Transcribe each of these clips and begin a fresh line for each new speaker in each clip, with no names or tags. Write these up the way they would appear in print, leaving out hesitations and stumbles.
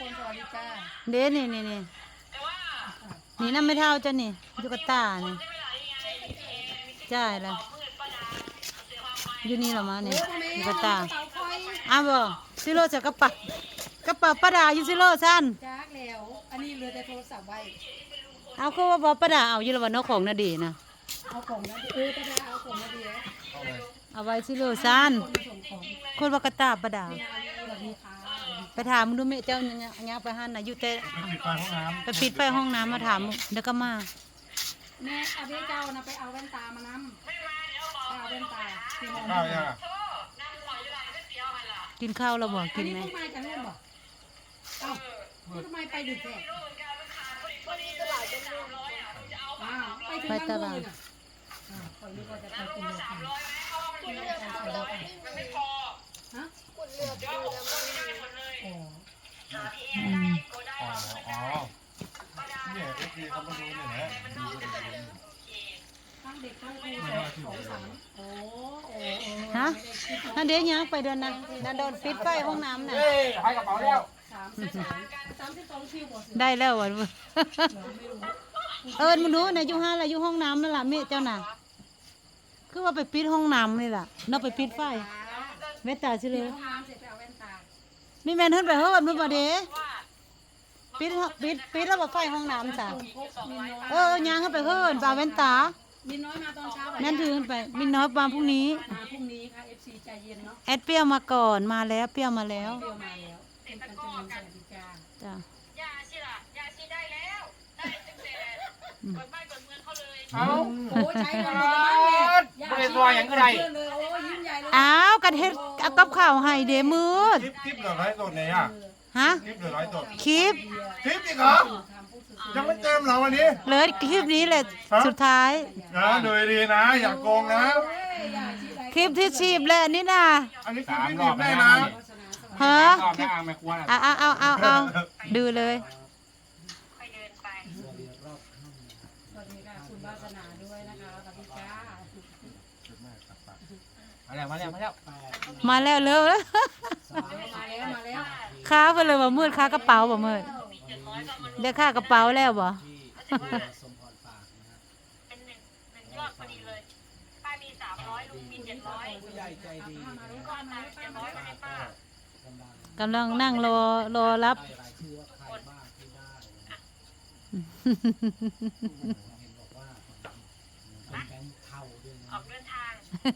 มสวัสดีจ้า
เด้นี่นี่น้ำไม่เท่าจ้ะนี่ตุ๊กตานี่ใช่ละอยู่นี่เหรอมาเนี่ยตุ๊กตาอ้าวบ่ซิโร่จะกระเป๋าประดาอยู่ซิโร่สั้น
จ้าแล้วอันนี้เหลือแต่โทรศัพท์ไว้
เอาคือว่าบ่ประดาเอาอยู่ละวันนกของนาดีนะ
เอาของนะประดาเอาของนะดีแล้ว
เอาไว้ซิโร่สั้นคนว่ากระตาประดาไปถามดูแม่เจ้าเนี่ยไปหันน่ะอยู่แต่ไปปิดไฟห้องน้ำมาถามเดี๋ยวก็มา
แม่เอาเบี้ยเจ้านะไปเอาแว่นตามานำไปเอาแว่นตา
กินข้าวแล้วบ่กินไหม
ทำไมกันเล่นบ่เอ้าทำไมไปดึกแท้ไปตลาดคอยนึกว่าจะไปกินเลยค่ะมันไม่พอฮะกุดเลือดดูแล้ว
เนี่ยคือเขามาดูเนี่ยนะ
ตั้งเด็กตั้งครู2 3
ฮะนั่นเดี๋ยวยังไปเดินนะนั่นโดนปิดไฟห้องน้ำน่ะ
ให้กระเป๋าแล้ว
32คิวบ่
ได้แล้ววะมันรู้นะอยู่ห้าอะไรอยู่ห้องน้ำนั่นแหละแม่เจ้าน่ะคือว่าไปปิดห้องน้ำนี่แหละน่าไปปิดไฟแม่ตาสิเลยนี่แม่ขึ้นไปเฮ้ยมันมาเด้ปิดแล้วว่าไฟห้องน้ำจ้ะยังขึ้นไปเฮ้ยปลาแว่นตา
มินน้อยมาตอนเช้า
แม่ถือขึ้นไปมินน้อยมาพรุ่งนี้
ค่ะ FC ใจเย็นเนาะ
แอดเปรี้ยวมาก่อนมาแล้วเปรี้ยวมาแล้ว
เป็นกันจนสวัสดีจ้า
จ้ะ
ยาชีล่ะยาชีได้แล้วได้ตั้งแต่เปิดบ้านเปิดเมืองเขาเลย
โอ้ใช้เงินหมดแล้ว
บริษัทอย่างไร
อ้าวกันเฮ็ดกับข้าวให้เดมืด
คลิปเหลือ100 ตัวเนี่ย
ฮะ
คลิปเหลือ100 ตัว
คลิป
อีกเหรอยังไม่เต็มเหรอวันนี้
เลยคลิปนี้เลยสุดท้าย
ดูดีนะอย่าโกงนะ
คลิปที่ชีพเลยนี่นะ
อันนี้คลิปที่ชีพได้นะ
ฮะเอาดูเลย
ไปเดินไป
สวัสดีค่ะคุณวาสนาด้วยนะคะสวัสดีจ้า
มาแล้วเร็วแล้วค้าไปเลยว่ามืดค้ากระเป๋าบ่มืดเดี๋ยวค่ากระเป๋าแล้วบ่
เป็นหนึ่งยอดพอดีเลยป้ามี300ลุงมี700ผู้ใหญ่ใจดี700ไม่ได้ป้าก
ำลังนั่งรอรับ
ออกเดินทาง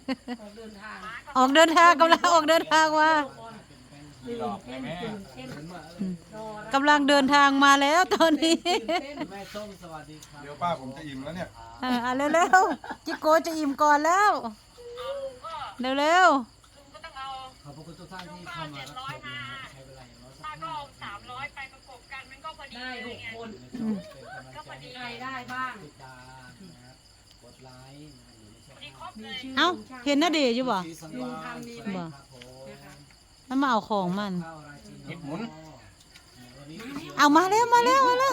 กำลังออกเดินทางว่ากำลังเดินทางมาแล้วตอนนี้
แม่ส้มสวัสดีครับเดี๋ยวป้าผมจะอิ่มแล้วเนี่ย
เร็วๆจิโกจะอิ่มก่อนแล้วเร็ว
ก็ต้องเอาขอบคุณทุกท่านที่เข้ามารับชมใช้เวลาอย่างน้อยป้าก็เอา300ไปประกบกันมันก็พอดี
ได้6 คน
ก็พอดี
ได้บ้าง
กดไลค์
เอ้าเห็นน่าเดอยู่บ่บ่แล้วมาเอาของมัน
หมุน
เอามาแล้วมาแล้วทำ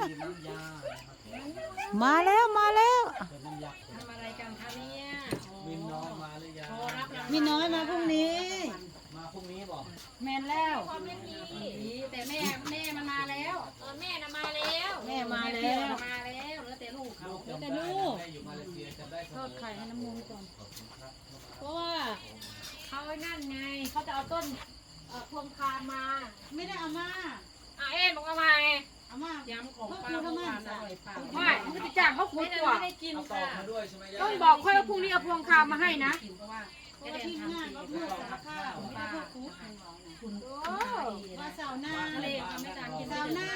อะไรกันคะเนี่ย
มินน้อยมาหรือยัง
มีน้อยมาพรุ่งนี้
บอก
แม่แล้วแต่แม่มันมาแล้ว
แม่น่ะมาแล้ว
มาแล้วแล้วแต่ลูกเขา
แต่ลูกทอดไข่ให้น้ำมูกก่อนเพราะว่า
เขาไอ้นั่นไงเขาจะเอาต้นพวงคามา
ไม่ได้เอามา
บอกเอามา
เอามายำของป้าทำไม
ไม่มันจะจ้างเขาขุดตัว
ไม่ได้กินค่ะ
ต้องบอกค่อยว่าพรุ่งนี้เอาพวงคามาให้นะ
ที่งานก็เพื่อข้าวป้าคุณว่าสาวหน้าเลยไม่ต่างกินสาวหน้า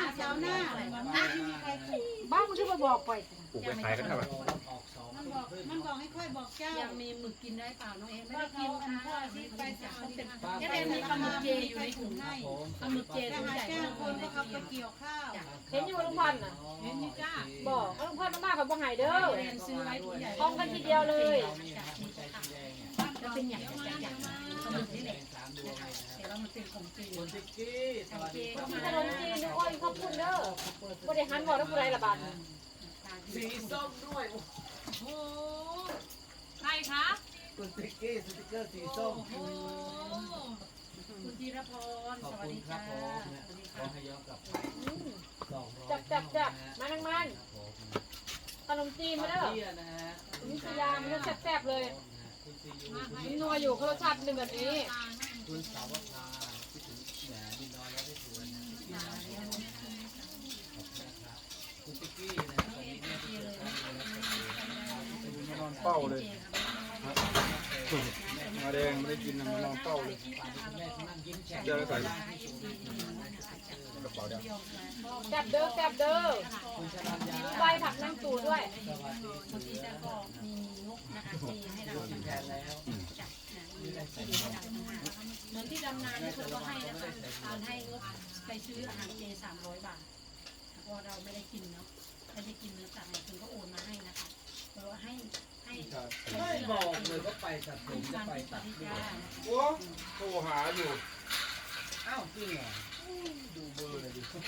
บ้านมึงที่มาบอกไป
ปลูกไปขายกันเท่าไหร่
มันบอกให้ค่อยบอกเจ้ายังมีหมึกกินได้เปล่าน้องเอ็มไม่ได้กินค่ะที่ไปสาวเป็นแค่มีปลาหมึกเจอยู่ในถุงให้ปลาหมึกเจถุงใหญ่คนก็ขับไปเกี่ยวข้าว
เห็นอยู่ลุงพันธ์น่ะ
เห็นอยู่จ้า
บอกลุงพันธ์มากกับบ่หายเด้อ
ซื้อไว้ถุงใหญ่
พร้อมกันทีเดียวเลย
จะเป็นอย่างไรปลาหมึกนี่แหละแต่เรามันเป็นของจีน
คนติ๊กกี้สวัสดีครับ
ขนมจีนอ้อยขอบคุณเด้อบ่ได้หันบอกแล้วผู้ใดละบาท
สีส้มด้วยโอ้
โหใครคะ
คุณติ๊กกี้สติ๊กเกอร์สีส้ม
คุณธีรพร
ขอบ
สวัส
คุณ
ดี
ครั
จ้า
บผม
ส
นะ
วัสดี
ขอ
ค่ะ
ให้ย้อนกลับไป200
จับมานั่งมัน
ครับผม
ขนมจีนมาแล้ว
ป้าเตี้ยนะฮะ
มิสยามันจะแซ่บๆเลย
คุณซียู
มันนัวอยู่เขารสชาติเป็นแบบนี้
คุณสาวภาคิดถึงแหมดินน้อยแล้วได้สวยนะพี่สาวขอบคุณนะครับคุณติ๊กกี้นะตอนนี้แม่ที่เจอกันเลย
นอนเป้าเลยมาแดงไม่ได้กินนะมันนอนเป้าเลย
แม่ที่นั่งยิ้มแฉ่ง
เดี๋ยวใส่กระเป๋าเดียว
แซ่บเด้อแซ่บเด้อ
คุณชนัญญา
มีใบผักนั่งตูด้วย
สวัสดี
บางทีแต่ก็มีงบนะคะเจให้เรา
คุณแทนแล้ว
จัดนะมีแบบที่ดีให้เราเหมือนที่ดำนาที่เขาก็ให้นะคะตอนให้งบไปซื้ออาหารเจ300 บาทเพราะเราไม่ได้กินเนาะไม่ได้กินเนื้อสัตว์เนี่ยคุณก็โอนมาให้นะคะเพราะว่าให้
ไม่บอกเลยว่าไปตัดผมจะไปตัดด้วย
โอ้โทรหาอยู่
อ้าวจริงเหรอดูเบอร์เลยดิ
โทร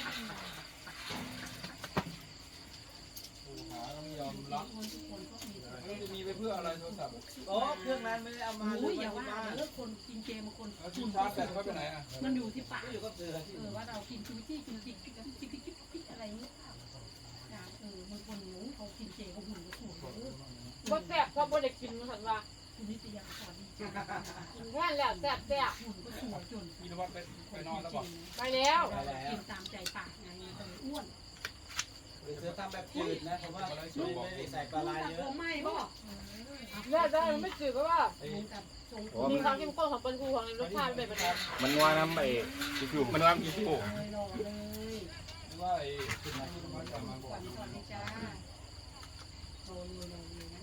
หาแล้วไม่ยอมรับ
ทุกคนก็มี
แล้วจะมีไปเพื่ออะไรโทรศัพท์
โอ้เครื่องนั้นไม่ได้เอามา
โอ้ย
เล
อย่าว่า
บ้าน
เลิกคนกินเจบางคน
แล้วที่ชาร์จแบตไว้ไปไหนอ่ะ
มันอยู่ที่ปาก
ก็อยู่กับเสือที่
ว่าเรากินจุ๊จี้จุ๊จิ๊กจิ๊กจิ๊กจิ๊กจิ๊กอะไรเงี้ยบางคนเขากินเจเขาหุ่นก็สวย
บ่แซ่บเพราะบ่ได้กินมันสันว่า
คุณนิตยาสวัสดี
แค่แล้วแซ่บแซ่บ
หุ่นก็สวยจน
พี่นวัดไปนอนแล้วบอก
ไปแล้ว
ไปแล้ว
กินตามใจปากไงแต่อ้วน
เสือทำแบบจืดนะผมว่าไม่ได้ใส่ปลาร้าเย
ผ
อะ
มไม่บอก
แซ่บได้มันไม่จืดเพราะว่า
กับทรง
มีความเข้มข้นของปลาทูของรสชาติเป็นแบบนี้
มันว่าน้ำไปคือมันว่ากี่ชั่วโมง
เลยรอเลย
ว่าไอ้คุณนายที่นวัดกลับมาบอก
สวัสดีจ้าโรยเลยนะน้อง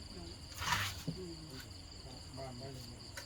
บ้านไม่เลย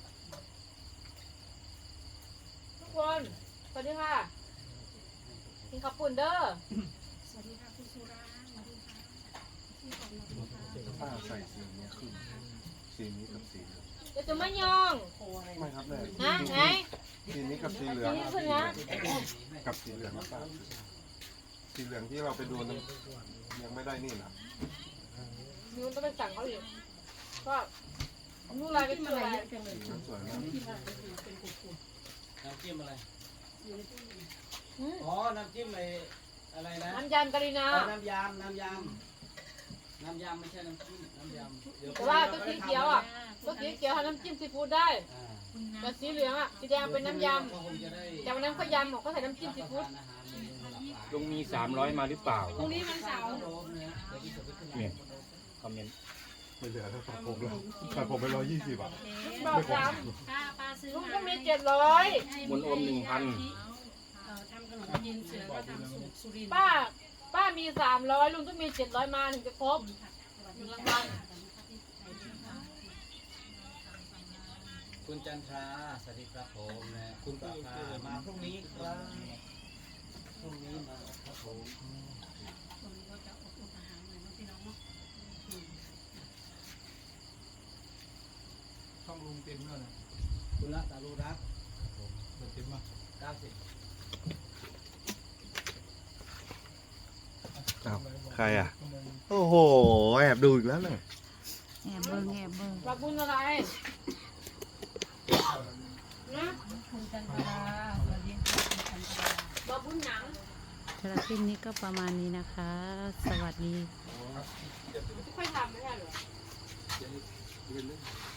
ทุกคนสวัสดีค่ะกินข้าวปุ่นเด้อ
สวัสดีค่ะคุณสุราสวัสดีค่ะที่ของเรา
ป้าใส่สีนี้คือสีนี้กับสี
เดี๋ยวจะไม่ยอง
โคอะไร
ไม่ครับแม่
นะไง
สีนี้กับสีเหลือง
สีนี้ขึ้นนะ
กับสีเหลืองนะป้าสีเหลืองที่เราไปดูนั้นยังไม่ได้นี่นะ
มิวต้องไปสั่งเขาอีกก็นู่นอะไรเป็นอะไร
จังเลย
มันสวยมาก
ที่มาเป็นกุด
น้ำจิ้มอะไร
อืม
อ๋อ น้ำจิ้มอะไรนะ
น้ำยำกะหรี่นา
น้ำยำน้ำยำน้ำยำไม่ใช่น้ำจิ้มน้ำยำเดี๋ยว
แต่ว่าตัวสีเขียวอ่ะตัวสีเขียวทำน้ำจิ้มซีฟู้ดได้
อ่า
แต่สีเหลืองอ่ะสีแดงเป็นน้ำย
ก็คงจะได้
ำแต่วันนั้นเขายำเขาใส่น้ำจิ้มซีฟู้ด
ทานอาหารเมนูหลากหลาย
ลุงมี300มาหรือเปล่า
ตรงนี้มันเสาร์
โดมนะเดี๋ยวพี่จะไปขึ้น
เนี่ยคอมเมนต์
ไม่เหลือแล้วครับผมแล้วแต่ผมไป120อ่ะ
บอกซ้
ป้าป้าซื้อ
ำลุง
มา
ก็มี
ให้
700
บนอม1,000
ทำขนมจีนเสือก็ทำสูตรสุรินทร์
ป้ามี300ลุงต้องมี700มาถึงจะครบหนึ่งรางวัล
คุณจันทราสวัสดีครับผมนะคุณปาภามาพรุ่งนี้ครับพรุ่งนี้มาครับผม
คนก็จะอดอาหารหน่อยนะพี่น้องเนาะ
ช่องลุงเต็มแล้วนะ
คุณรัตตารุรักษ์
เต็มมา
90
ใครอ่ะ โอ้โห แอบดูอีกแล้วเนี่ย
แอบเบิ่งแอบเบิ่ง
รับบุญอะไรนะ
คุณจันทราสวัสดีค่ะคุณจันทรา
รับบุญหนัง
สำหรับคลิปนี้ก็ประมาณนี้นะคะ สวัสดี
ไม่ค่อยทำไม่ใช่เหรอ
เดี๋ยว